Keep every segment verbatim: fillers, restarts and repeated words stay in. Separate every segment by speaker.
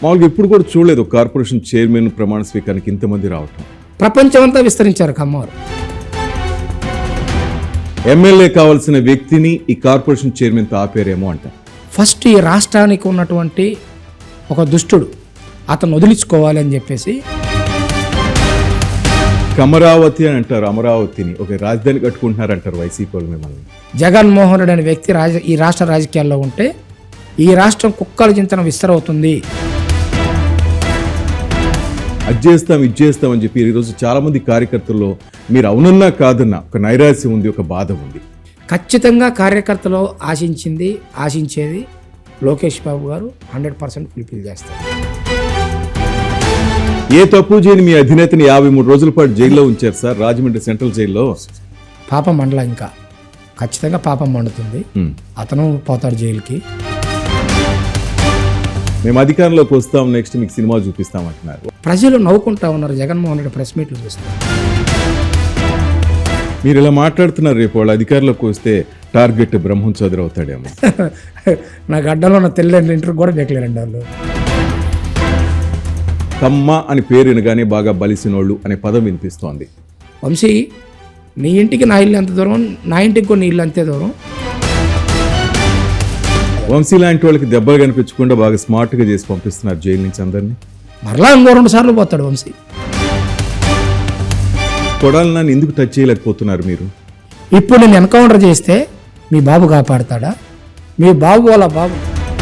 Speaker 1: మామూలుగా ఎప్పుడు కూడా చూడలేదు కార్పొరేషన్ చైర్మన్ ప్రమాణ స్వీకారానికి ఇంతమంది రావటం.
Speaker 2: ప్రపంచమంతా విస్తరించారు కమ్మవారు.
Speaker 1: ఎమ్మెల్యే కావాల్సిన వ్యక్తిని ఈ కార్పొరేషన్ చైర్మన్తో ఆపేరేమో అంట.
Speaker 2: ఫస్ట్ ఈ రాష్ట్రానికి ఉన్నటువంటి ఒక దుష్టుడు అతను వదిలించుకోవాలి అని చెప్పేసి
Speaker 1: అమరావతి అని అంటారు, అమరావతిని ఒక రాజధాని కట్టుకుంటున్నారంటారు వైసీపీ వాళ్ళు మిమ్మల్ని.
Speaker 2: జగన్మోహన్ రెడ్డి అనే వ్యక్తి రాజ ఈ రాష్ట్ర రాజకీయాల్లో ఉంటే ఈ రాష్ట్రం కుక్కల చింతన విస్తరవుతుంది.
Speaker 1: అది చేస్తాం ఇది చేస్తాం అని చెప్పి ఈరోజు చాలా మంది కార్యకర్తల్లో మీరు అవునన్నా కాదన్నా ఒక నైరాశ్యం ఉంది, ఒక బాధ ఉంది.
Speaker 2: ఖచ్చితంగా కార్యకర్తలు ఆశించింది ఆశించేది లోకేష్ బాబు గారు హండ్రెడ్ పర్సెంట్ ఫుల్ఫిల్ చేస్తారు.
Speaker 1: ఏ తప్పు చేయని మీ అధినేతని యాభై మూడు రోజుల పాటు జైల్లో ఉంచారు సార్, రాజమండ్రి సెంట్రల్ జైల్లో.
Speaker 2: పాపం మండల ఇంకా ఖచ్చితంగా పాపం మండుతుంది. అతను పోతాడు జైలుకి.
Speaker 1: మేము అధికారంలోకి వస్తాం, నెక్స్ట్ మీకు సినిమా చూపిస్తామంటున్నారు.
Speaker 2: ప్రజలు నవ్వుకుంటా ఉన్నారు జగన్మోహన్ రెడ్డి ప్రెస్ మీట్లు చూస్తారు.
Speaker 1: మీరు ఇలా మాట్లాడుతున్నారు, రేపు వాళ్ళు అధికారంలోకి వస్తే టార్గెట్ బ్రహ్మం చౌదరి అవుతాడేమో.
Speaker 2: నా గడ్డలో ఉన్న తెల్లని ఇంటర్ కూడా బేకలేరండి వాళ్ళు.
Speaker 1: కమ్మ అని పేరు వినగానే బాగా బలిసినోళ్ళు అనే పదం వినిపిస్తోంది.
Speaker 2: వంశీ, నీ ఇంటికి నా ఇల్లు ఎంత దూరం, నా ఇంటికి కూడా నీ ఇల్లు అంతే దూరం.
Speaker 1: వంశీ లాంటి వాళ్ళకి దెబ్బలు కనిపించకుండా బాగా స్మార్ట్గా చేసి పంపిస్తున్నారు జైలు నుంచి అందరినీ.
Speaker 2: మరలా ఇంకో రెండు సార్లు పోతాడు వంశీ.
Speaker 1: కొడాలి నన్ను ఎందుకు టచ్ చేయలేకపోతున్నారు మీరు?
Speaker 2: ఇప్పుడు నేను ఎన్కౌంటర్ చేస్తే మీ బాబు కాపాడతాడా? మీ బాబు వాళ్ళ బాబు.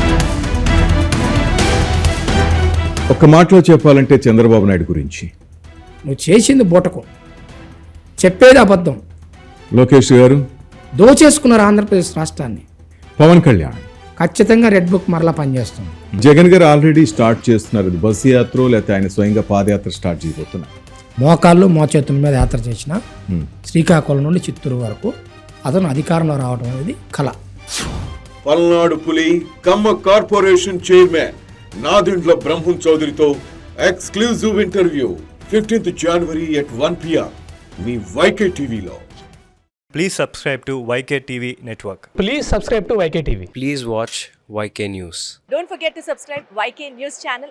Speaker 1: ఒక్క మాటలో చెప్పాలంటే చంద్రబాబు నాయుడు గురించి
Speaker 2: నువ్వు చేసింది బూటకం, చెప్పేది అబద్ధం.
Speaker 1: లోకేష్ గారు
Speaker 2: దోచేసుకున్నారు ఆంధ్రప్రదేశ్ రాష్ట్రాన్ని.
Speaker 1: పవన్ కళ్యాణ్
Speaker 2: ఖచ్చితంగా రెడ్ బుక్ మరలా పనిచేస్తుంది.
Speaker 1: జగన్ గారు ఆల్రెడీ స్టార్ట్ చేస్తున్నారు, ఇది బస్సు యాత్ర లేకపోతే ఆయన స్వయంగా పాదయాత్ర స్టార్ట్ చేయబోతున్నారు.
Speaker 2: మోకాళ్ళు మోచేతుల మీద యాత్ర చేసిన శ్రీకాకుళం నుండి చిత్తూరు వరకు అతను అధికారంలో రావడం అనేది కళ.
Speaker 3: పల్నాడు పులి కమ్మ కార్పొరేషన్ చైర్మన్ నాదెండ్ల బ్రహ్మం చౌదరితో exclusive interview fifteenth January at one PM మీ వైకే టీవీలో.
Speaker 4: Please subscribe to Y K T V Network.
Speaker 5: Please subscribe to Y K T V.
Speaker 6: Please watch Y K News.
Speaker 7: Don't forget to subscribe Y K News channel